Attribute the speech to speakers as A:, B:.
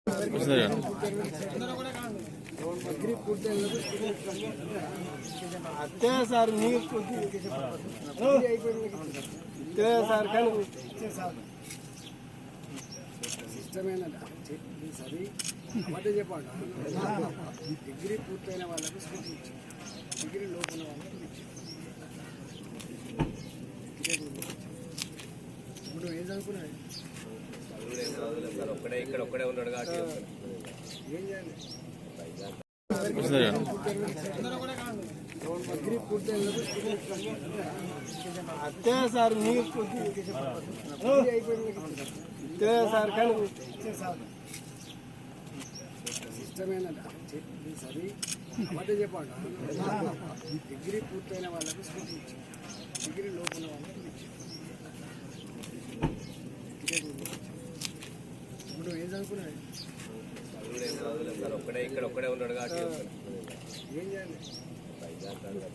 A: అంతే సార్ మీరు అంతే సార్ కానీ
B: సిస్టమేనా సరే అబద్ధం చెప్పండి. డిగ్రీ పూర్తయిన వాళ్ళకు స్కూటీ ఇచ్చింది, డిగ్రీ లోపల వాళ్ళకి ఇచ్చింది. ఇప్పుడు ఏం చదువుకున్నాయి
C: ఒక్కడే ఉన్నాడు కాబట్టి
B: ఏం చేయాలి? డిగ్రీ పూర్తయిన
A: అంతే సార్ మీరు అంతే సార్ కానీ
B: సిస్టమేనా సరే అబద్ధం చెప్పండి. డిగ్రీ పూర్తయిన వాళ్ళకు స్కూటీ ఇచ్చింది, డిగ్రీ లోపల వాళ్ళకి ఇచ్చింది. ఇప్పుడు ఏం చదువుకున్నాయి?
C: ఒక్కడే ఉన్నాడు కాబట్టి
B: ఏం చేయాలి?